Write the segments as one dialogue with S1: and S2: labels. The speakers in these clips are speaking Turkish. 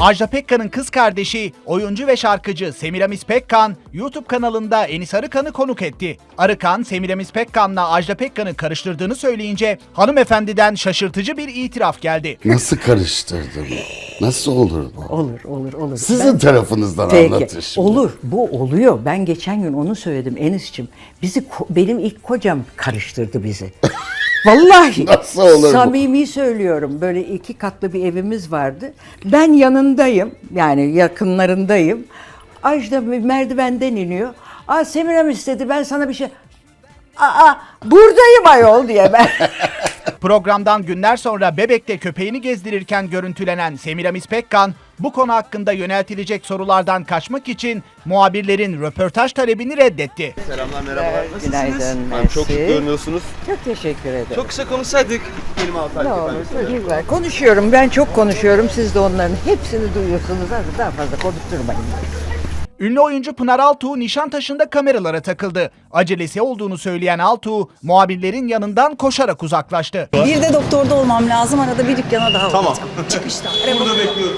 S1: Ajda Pekkan'ın kız kardeşi, oyuncu ve şarkıcı Semiramis Pekkan, YouTube kanalında Enis Arıkan'ı konuk etti. Arıkan, Semiramis Pekkan'la Ajda Pekkan'ı karıştırdığını söyleyince hanımefendiden şaşırtıcı bir itiraf geldi.
S2: Nasıl karıştırdın? Nasıl olur bu?
S3: Olur.
S2: Sizin tarafınızdan anlatın şimdi.
S3: Olur, bu oluyor. Ben geçen gün onu söyledim Enis'cim. Benim ilk kocam karıştırdı bizi. Vallahi.
S2: Nasıl olur bu?
S3: Samimi söylüyorum. Böyle 2 katlı bir evimiz vardı. Ben yanındayım. Yani yakınlarındayım. Ajda merdivenden iniyor. Semiramis dedi, ben sana bir şey... Buradayım ayol diye ben.
S1: Programdan günler sonra Bebek'te köpeğini gezdirirken görüntülenen Semiramis Pekkan, bu konu hakkında yöneltilecek sorulardan kaçmak için muhabirlerin röportaj talebini reddetti.
S4: Selamlar, merhabalar.
S3: Günaydın,
S4: Nasılsınız? Çok şık görünüyorsunuz.
S3: Çok teşekkür ederim.
S4: Çok kısa konuşsaydık. Kelime altı
S3: Ne olur, güzel. Konuşuyorum, ben çok konuşuyorum. Siz de onların hepsini duyuyorsunuz. Hadi daha fazla konuşturmayın.
S1: Ünlü oyuncu Pınar Altuğ Nişantaşı'nda kameralara takıldı. Acelesi olduğunu söyleyen Altuğ, muhabirlerin yanından koşarak uzaklaştı.
S5: Bir de doktorda olmam lazım. Arada bir dükkana daha
S4: Tamam.
S5: olacağım. Çıkışta.
S4: Burada bekliyorum.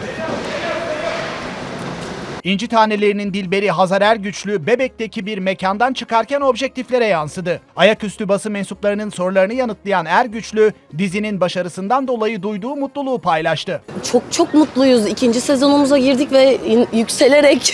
S1: İnci Tanelerinin Dilberi Hazar Ergüçlü, Bebek'teki bir mekandan çıkarken objektiflere yansıdı. Ayaküstü basın mensuplarının sorularını yanıtlayan Ergüçlü, dizinin başarısından dolayı duyduğu mutluluğu paylaştı.
S6: Çok mutluyuz. 2. sezonumuza girdik ve yükselerek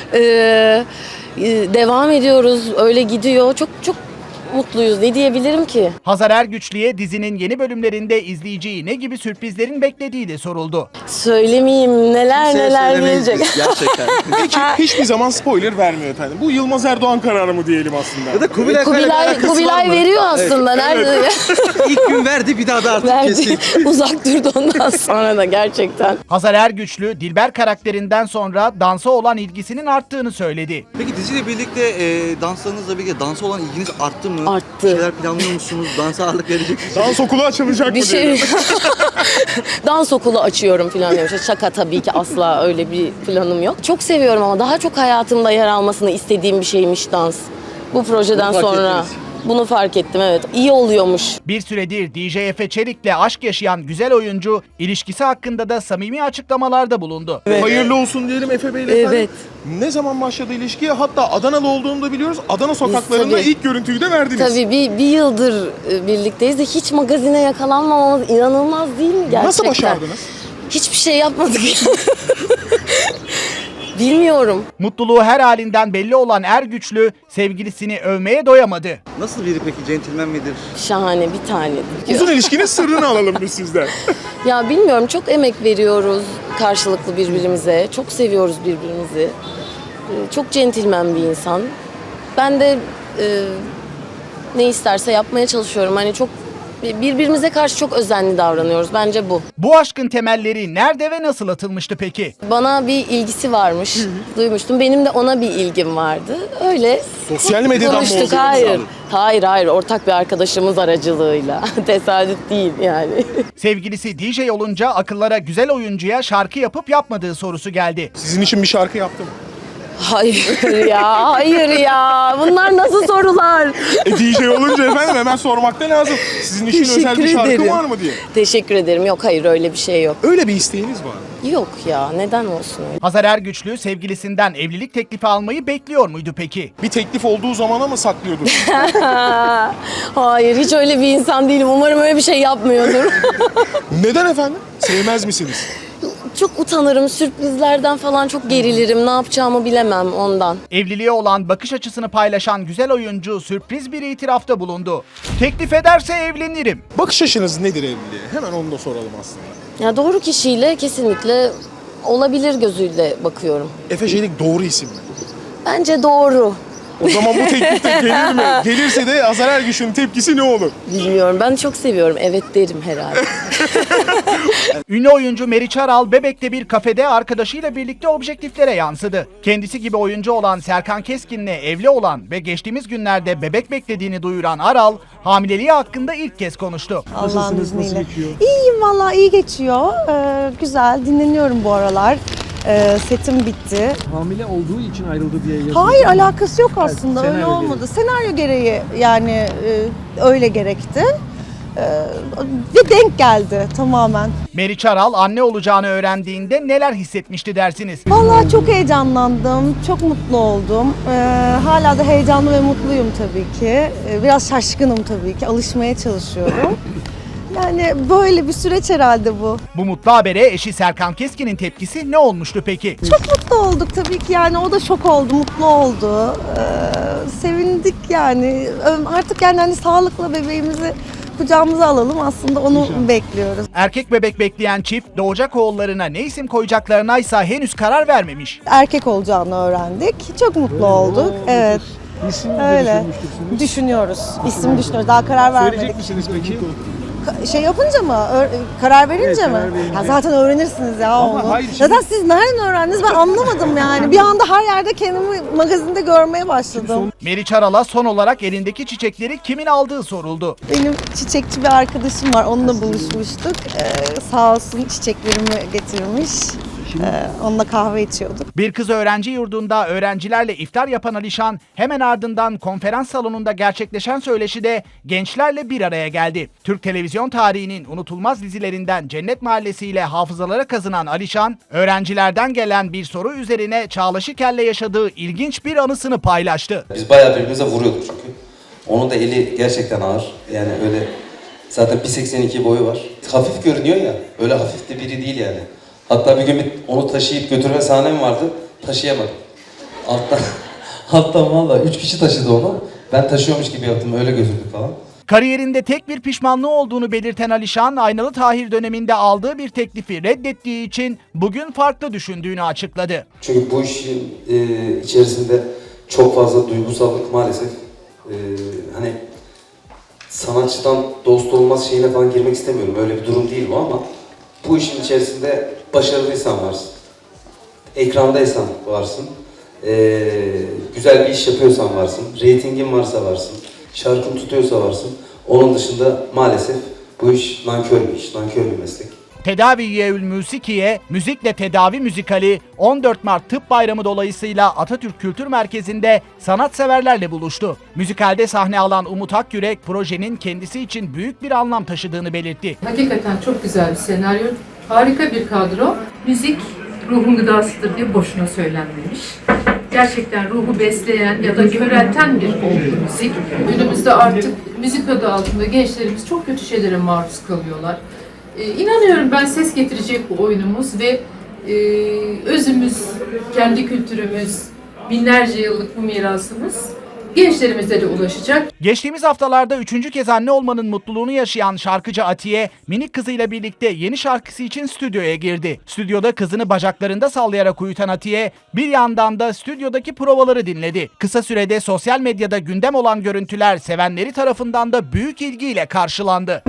S6: devam ediyoruz. Öyle gidiyor. Çok mutluyuz. Ne diyebilirim ki?
S1: Hazar Ergüçlü'ye dizinin yeni bölümlerinde izleyiciyi ne gibi sürprizlerin beklediği de soruldu.
S6: Söylemeyeyim, neler
S4: Söylemeyiz
S6: gelecek.
S4: biz, gerçekten.
S7: Peki hiçbir zaman spoiler vermiyor efendim. Bu Yılmaz Erdoğan kararı mı diyelim aslında?
S4: Ya da Kubilay Kaya'yla bir alakası var
S6: Kubilay
S4: mı?
S6: veriyor aslında. Nerede?
S4: İlk gün verdi, bir daha da artık
S6: Verdi.
S4: kesin.
S6: Uzak durdu ondan sonra da gerçekten.
S1: Hazar Ergüçlü, Dilber karakterinden sonra dansa olan ilgisinin arttığını söyledi.
S4: Peki diziyle birlikte danslarınızla birlikte dansa olan ilginiz arttı mı?
S6: Arttı.
S4: Bir şeyler planlıyor musunuz? Dansa ağırlık verecek misiniz?
S7: Dans okulu açılacak
S6: Bir
S7: mı
S6: şey...
S7: diyelim?
S6: Dans okulu açıyorum falan demiş. Şaka tabii ki, asla öyle bir planım yok. Çok seviyorum ama daha çok hayatımda yer almasını istediğim bir şeymiş dans. Bu projeden
S4: Bunu fark
S6: sonra
S4: ettiniz.
S6: bunu fark ettim, evet. İyi oluyormuş.
S1: Bir süredir DJ Efe Çelik'le aşk yaşayan güzel oyuncu, ilişkisi hakkında da samimi açıklamalarda bulundu.
S7: Hayırlı olsun diyelim Efe Bey'le efendim.
S6: Evet.
S7: Ne zaman başladı ilişkiye? Hatta Adanalı olduğunu da biliyoruz. Adana sokaklarında
S6: tabii.
S7: ilk görüntüyü de verdiniz.
S6: Tabii bir yıldır birlikteyiz de hiç magazine yakalanmamamız inanılmaz değil mi gerçekten?
S7: Nasıl başardınız?
S6: Hiçbir şey yapmadık. Bilmiyorum.
S1: Mutluluğu her halinden belli olan Ergüçlü, sevgilisini övmeye doyamadı.
S4: Nasıl biri peki? Centilmen midir?
S6: Şahane, bir tane.
S7: Uzun ilişkinin sırrını alalım biz sizden.
S6: Ya bilmiyorum, çok emek veriyoruz karşılıklı birbirimize. Çok seviyoruz birbirimizi. Çok centilmen bir insan. Ben de ne isterse yapmaya çalışıyorum. Hani çok birbirimize karşı çok özenli davranıyoruz. Bence bu.
S1: Bu aşkın temelleri nerede ve nasıl atılmıştı peki?
S6: Bana bir ilgisi varmış. Duymuştum. Benim de ona bir ilgim vardı. Öyle
S7: Sosyal medyadan mı
S6: konuştuk.
S7: oldu?
S6: Hayır. Ortak bir arkadaşımız aracılığıyla. Tesadüf değil yani.
S1: Sevgilisi DJ olunca akıllara güzel oyuncuya şarkı yapıp yapmadığı sorusu geldi.
S7: Sizin için bir şarkı yaptım.
S6: Hayır ya. Bunlar nasıl sorular?
S7: DJ olunca efendim hemen sormak da lazım. Sizin için özel bir şarkı
S6: ederim.
S7: var mı diye.
S6: Teşekkür ederim. Yok, hayır, öyle bir şey yok.
S7: Öyle bir isteğiniz var mı?
S6: Yok ya, neden olsun öyle?
S1: Hazar Ergüçlü sevgilisinden evlilik teklifi almayı bekliyor muydu peki?
S7: Bir teklif olduğu zamana mı saklıyordun?
S6: Hayır, hiç öyle bir insan değilim. Umarım öyle bir şey yapmıyordur.
S7: Neden efendim? Sevmez misiniz?
S6: Çok utanırım, sürprizlerden falan çok gerilirim. Ne yapacağımı bilemem ondan.
S1: Evliliğe olan bakış açısını paylaşan güzel oyuncu sürpriz bir itirafta bulundu. Teklif ederse evlenirim.
S7: Bakış açınız nedir evliliğe? Hemen onu da soralım aslında.
S6: Ya doğru kişiyle kesinlikle olabilir gözüyle bakıyorum.
S7: Efe Çelik doğru isim mi?
S6: Bence doğru.
S7: O zaman bu teklifte gelir mi? Gelirse de Hazar Ergüçlü'nün tepkisi ne olur?
S6: Bilmiyorum, ben çok seviyorum. Evet derim herhalde.
S1: Ünlü oyuncu Meriç Aral, Bebek'te bir kafede arkadaşıyla birlikte objektiflere yansıdı. Kendisi gibi oyuncu olan Serkan Keskin'le evli olan ve geçtiğimiz günlerde bebek beklediğini duyuran Aral, hamileliği hakkında ilk kez konuştu.
S5: Allah'ın izniyle. İyiyim vallahi, iyi geçiyor. Güzel, dinleniyorum bu aralar. Setim bitti.
S8: Hamile olduğu için ayrıldı diye yazıyor.
S5: Hayır, alakası yok aslında.
S8: Evet,
S5: Öyle
S8: senaryo
S5: olmadı. Senaryo gereği yani öyle gerekti. Ve denk geldi tamamen.
S1: Meriç Aral anne olacağını öğrendiğinde neler hissetmişti dersiniz?
S5: Vallahi çok heyecanlandım, çok mutlu oldum. Hala da heyecanlı ve mutluyum tabii ki. Biraz şaşkınım tabii ki, alışmaya çalışıyorum. Yani böyle bir süreç herhalde bu.
S1: Bu mutlu habere eşi Serkan Keskin'in tepkisi ne olmuştu peki?
S5: Çok mutlu olduk tabii ki, yani o da şok oldu, mutlu oldu. Sevindik yani. Artık yani hani sağlıkla bebeğimizi kucağımıza alalım, aslında onu bekliyoruz.
S1: Erkek bebek bekleyen çift doğacak oğullarına ne isim koyacaklarına ise henüz karar vermemiş.
S5: Erkek olacağını öğrendik. Çok mutlu olduk. Evet.
S8: İsim de
S5: Öyle.
S8: düşünmüştürsünüz.
S5: Düşünüyoruz. İsim düşünüyoruz. Daha karar vermedik.
S8: Söyleyecek misiniz peki?
S5: Şey yapınca mı? Karar verince
S8: Evet,
S5: mi?
S8: karar verince.
S5: Ya zaten öğrenirsiniz ya
S8: Ama
S5: onu.
S8: hayır, şimdi-
S5: Zaten siz nereden öğrendiniz, ben anlamadım yani. Bir anda her yerde kendimi magazinde görmeye başladım.
S1: Meriç Aral'a son olarak elindeki çiçekleri kimin aldığı soruldu.
S5: Benim çiçekçi bir arkadaşım var. Onunla buluşmuştuk. Sağ olsun çiçeklerimi getirmiş. Onunla kahve içiyorduk.
S1: Bir kız öğrenci yurdunda öğrencilerle iftar yapan Alişan hemen ardından konferans salonunda gerçekleşen söyleşide gençlerle bir araya geldi. Türk televizyon tarihinin unutulmaz dizilerinden Cennet Mahallesi ile hafızalara kazınan Alişan, öğrencilerden gelen bir soru üzerine Çağla Şikel'le yaşadığı ilginç bir anısını paylaştı.
S9: Biz bayağı birbirimize vuruyorduk çünkü. Onun da eli gerçekten ağır. Yani öyle zaten 1.82 boyu var. Hafif görünüyor ya, öyle hafif de biri değil yani. Hatta bir gün onu taşıyıp götürme sahnem vardı, taşıyamadım. Alttan vallahi 3 kişi taşıdı onu. Ben taşıyormuş gibi yaptım, öyle götürdük falan.
S1: Kariyerinde tek bir pişmanlığı olduğunu belirten Alişan, Aynalı Tahir döneminde aldığı bir teklifi reddettiği için bugün farklı düşündüğünü açıkladı.
S9: Çünkü bu işin içerisinde çok fazla duygusallık maalesef. Hani sanatçıdan dost olmaz şeyine falan girmek istemiyorum. Öyle bir durum değil bu ama bu işin içerisinde başarılıysan varsın. Ekrandaysan varsın. Güzel bir iş yapıyorsan varsın. Reytingin varsa varsın. Şarkın tutuyorsa varsın. Onun dışında maalesef bu iş nankör bir iş, nankör bir meslek.
S1: Tedaviyeül Musikiye, Müzikle Tedavi Müzikali 14 Mart Tıp Bayramı dolayısıyla Atatürk Kültür Merkezi'nde sanatseverlerle buluştu. Müzikalde sahne alan Umut Akyürek projenin kendisi için büyük bir anlam taşıdığını belirtti.
S10: Hakikaten çok güzel bir senaryo, harika bir kadro. Müzik ruhun gıdasıdır diye boşuna söylenmemiş. Gerçekten ruhu besleyen ya da körelten bir olgu müzik. Günümüzde artık müzik adı altında gençlerimiz çok kötü şeylere maruz kalıyorlar. İnanıyorum ben ses getirecek bu oyunumuz ve özümüz, kendi kültürümüz, binlerce yıllık bu mirasımız gençlerimize de ulaşacak.
S1: Geçtiğimiz haftalarda 3. kez anne olmanın mutluluğunu yaşayan şarkıcı Atiye, minik kızıyla birlikte yeni şarkısı için stüdyoya girdi. Stüdyoda kızını bacaklarında sallayarak uyutan Atiye, bir yandan da stüdyodaki provaları dinledi. Kısa sürede sosyal medyada gündem olan görüntüler sevenleri tarafından da büyük ilgiyle karşılandı.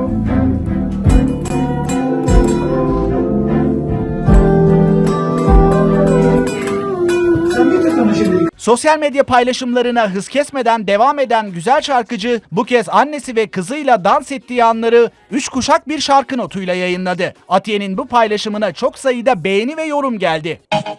S1: Sosyal medya paylaşımlarına hız kesmeden devam eden güzel şarkıcı bu kez annesi ve kızıyla dans ettiği anları 3 kuşak bir şarkı notuyla yayınladı. Atiye'nin bu paylaşımına çok sayıda beğeni ve yorum geldi.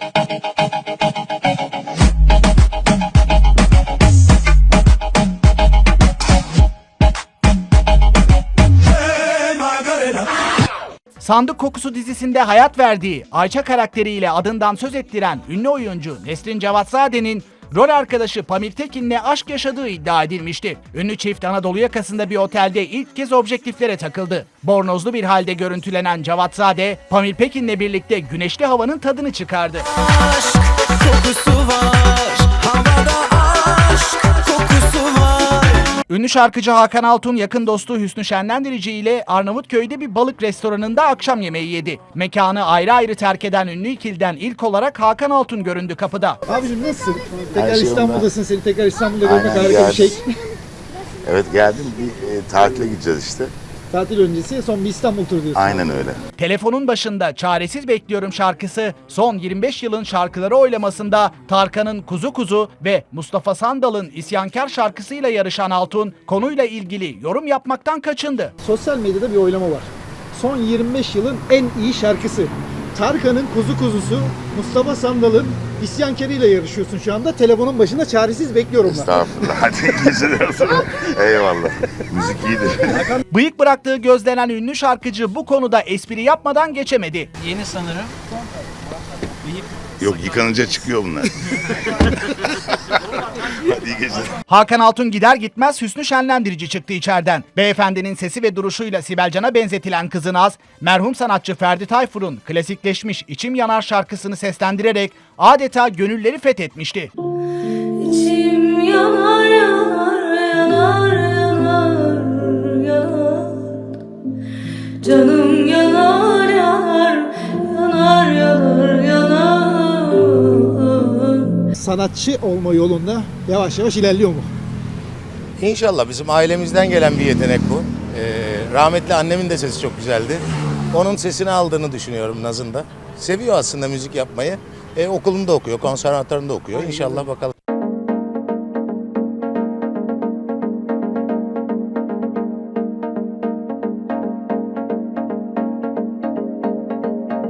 S1: Sandık Kokusu dizisinde hayat verdiği Ayça karakteriyle adından söz ettiren ünlü oyuncu Nesrin Cevatzade'nin rol arkadaşı Pamir Tekin'le aşk yaşadığı iddia edilmişti. Ünlü çift Anadolu yakasında bir otelde ilk kez objektiflere takıldı. Bornozlu bir halde görüntülenen Cevatzade, Pamir Pekin'le birlikte güneşli havanın tadını çıkardı.
S11: Aşk kokusu var, havada aşk kokusu var.
S1: Ünlü şarkıcı Hakan Altun yakın dostu Hüsnü Şenlendirici ile Arnavutköy'de bir balık restoranında akşam yemeği yedi. Mekanı ayrı ayrı terk eden ünlü ikiliden ilk olarak Hakan Altun göründü kapıda.
S8: Abicim nasılsın? Tekrar
S2: Her şey
S8: İstanbul'dasın. Seni tekrar İstanbul'da görmek
S2: Aynen,
S8: harika bir şey.
S2: Evet geldim, bir tatile gideceğiz işte.
S8: Tatil öncesi son bir İstanbul turu diyorsun.
S2: Aynen öyle.
S1: Telefonun başında Çaresiz Bekliyorum şarkısı son 25 yılın şarkıları oylamasında Tarkan'ın Kuzu Kuzu ve Mustafa Sandal'ın İsyankar şarkısıyla yarışan Altun konuyla ilgili yorum yapmaktan kaçındı.
S8: Sosyal medyada bir oylama var. Son 25 yılın en iyi şarkısı. Tarkan'ın Kuzu Kuzusu, Mustafa Sandal'ın İsyankeriyle yarışıyorsun şu anda. Telefonun başında çaresiz bekliyorum ben.
S2: Estağfurullah. Hadi iyi geceler olsun. Eyvallah. Müzik iyidir.
S1: Bıyık bıraktığı gözlenen ünlü şarkıcı bu konuda espri yapmadan geçemedi.
S11: Yeni sanırım.
S2: Yok, yıkanınca çıkıyor bunlar. Hadi iyi geceler.
S1: Hakan Altun gider gitmez hüsnü şenlendirici çıktı içeriden. Beyefendinin sesi ve duruşuyla Sibel Can'a benzetilen kızınaz, merhum sanatçı Ferdi Tayfur'un klasikleşmiş İçim Yanar şarkısını seslendirerek adeta gönülleri fethetmişti.
S6: İçim yanar yanar yanar yanar yanar. Canım yanar yanar yanar yanar yanar.
S8: Sanatçı olma yolunda yavaş yavaş ilerliyor mu?
S12: İnşallah bizim ailemizden gelen bir yetenek bu. Rahmetli annemin de sesi çok güzeldi. Onun sesini aldığını düşünüyorum Naz'ın da. Seviyor aslında müzik yapmayı. Okulunda okuyor, konservatuarında okuyor. İnşallah bakalım.